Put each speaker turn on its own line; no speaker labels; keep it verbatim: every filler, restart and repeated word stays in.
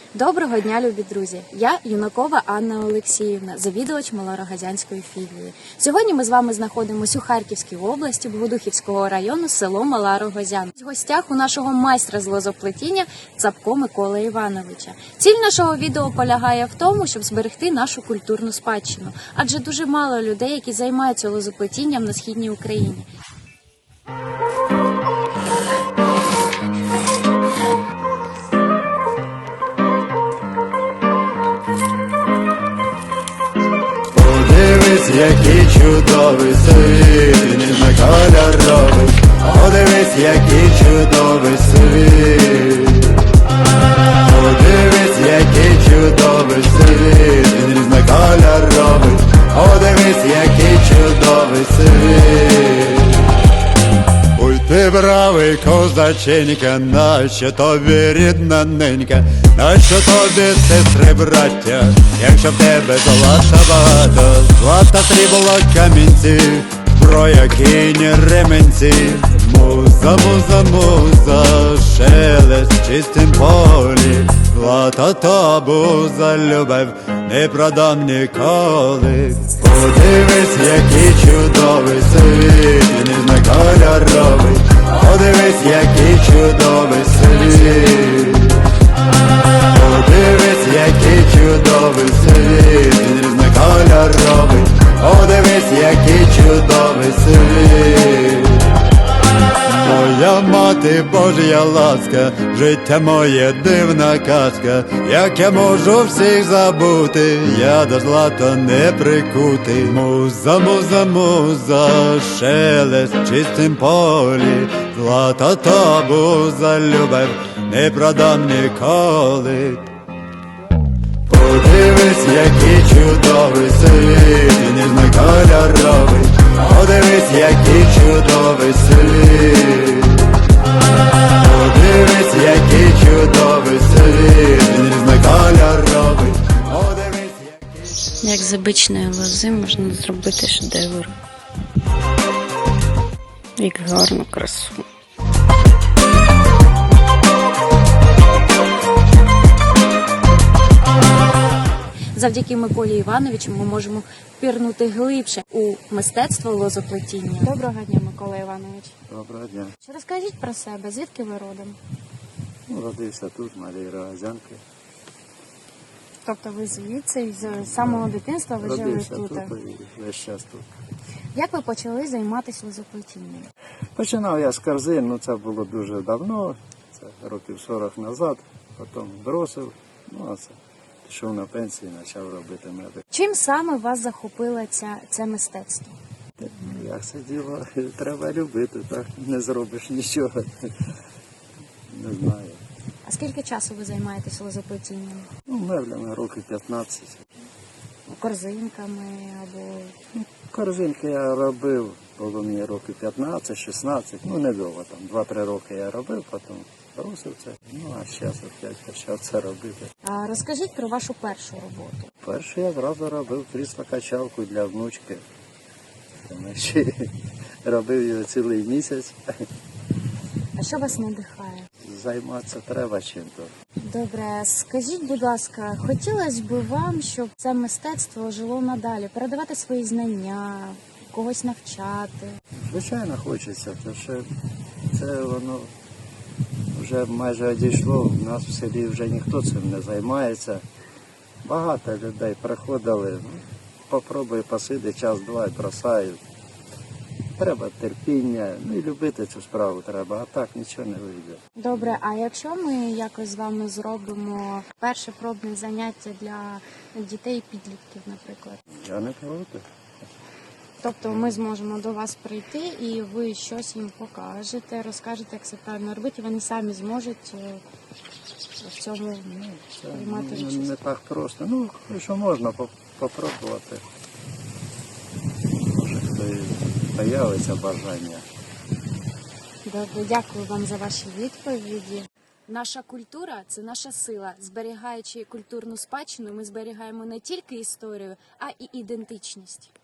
Доброго дня, любі друзі! Я Юнакова Анна Олексіївна, завідувач Малорогозянської філії. Сьогодні ми з вами знаходимося у Харківській області, Богодухівського району, село Мала Рогозян. В гостях у нашого майстра з лозоплетіння Цапко Миколи Івановича. Ціль нашого відео полягає в тому, щоб зберегти нашу культурну спадщину, адже дуже мало людей, які займаються лозоплетінням на східній Україні.
Подивись, який чудовий світ, ніжно-кольоровий. Подивись, який чудовий світ. Подивись, який чудовий світ, ніжно-кольоровий. Подивись, який чудовий світ. Ой, ти бравий козаченька, нащо тобі рідна ненька, нащо тобі сестри, браття, якщо в тебе золота багато, злата, срібло, камінці, зброя, кінь, ременці. Муза, муза, муза, шелест в чистім полі, злата та буза, любов не продам ніколи. Подивись, який чудовий світ, ніжно-кольоровий. Подивись, який чудовий світ. Подивись, який чудовий світ, ніжно-кольоровий. Подивись, який чудовий світ. Моя мати, Божя ласка, життя моє дивна казка. Як я можу всіх забути, я до злата не прикутий. Муза, муза, муза, шелест в чистім полі, злата та буза, любов не продам ніколи. Подивись, який чудовий світ, ніжно-кольоровий. Подивись, який чудовий світ. Подивись, який чудовий світ, ніжно-кольоровий. Подивись, який...
Як з обичної лози можна зробити шедевр. Як гарну красу.
Завдяки Миколі Івановичу ми можемо пірнути глибше у мистецтво лозоплетіння. Доброго дня, Микола Іванович.
Доброго дня.
Що розкажіть про себе, звідки ви родом?
Ну, родився тут, в Малій Рогозянці.
Тобто ви звідси, з самого дитинства ви жили
Родився
тут?
тут і весь час тут.
Як ви почали займатися лозоплетінням?
Починав я з корзин, ну це було дуже давно, це років сорок назад, потім бросив, ну а це пішов на пенсію і почав робити меди.
Чим саме вас захопило ця, це мистецтво?
Ну, як це діло, треба любити, так не зробиш нічого, не знаю.
А скільки часу ви займаєтесь лозоплетінням?
Ну, меблями років п'ятнадцять.
Корзинками або...
Корзинки я робив, було мені років п'ятнадцять-шістнадцять, ну недовго, там два-три роки я робив, потім бросив це, ну а зараз опять почав це робити.
А розкажіть про вашу першу роботу.
Перше я зразу робив крісло-качалку для внучки. Тому що робив його цілий місяць.
А що вас надихає?
Займатися треба чим-то.
Добре, скажіть, будь ласка, хотілося б вам, щоб це мистецтво жило надалі, передавати свої знання, когось навчати?
Звичайно, хочеться, тому що це воно вже майже одійшло. У нас в селі вже ніхто цим не займається. Багато людей приходили, ну, попробуй посиди час-два і бросають. Треба терпіння, ну і любити цю справу треба, а так нічого не вийде.
Добре, а якщо ми якось з вами зробимо перше пробне заняття для дітей і підлітків, наприклад?
Я не проти.
Тобто ми зможемо до вас прийти і ви щось їм покажете, розкажете, як це правильно робити, і вони самі зможуть в цьому
Це
приймати
не,
участь.
не так просто. Ну, що можна попробувати. Може, хто і появиться бажання.
Добре, дякую вам за ваші відповіді. Наша культура – це наша сила. Зберігаючи культурну спадщину, ми зберігаємо не тільки історію, а й ідентичність.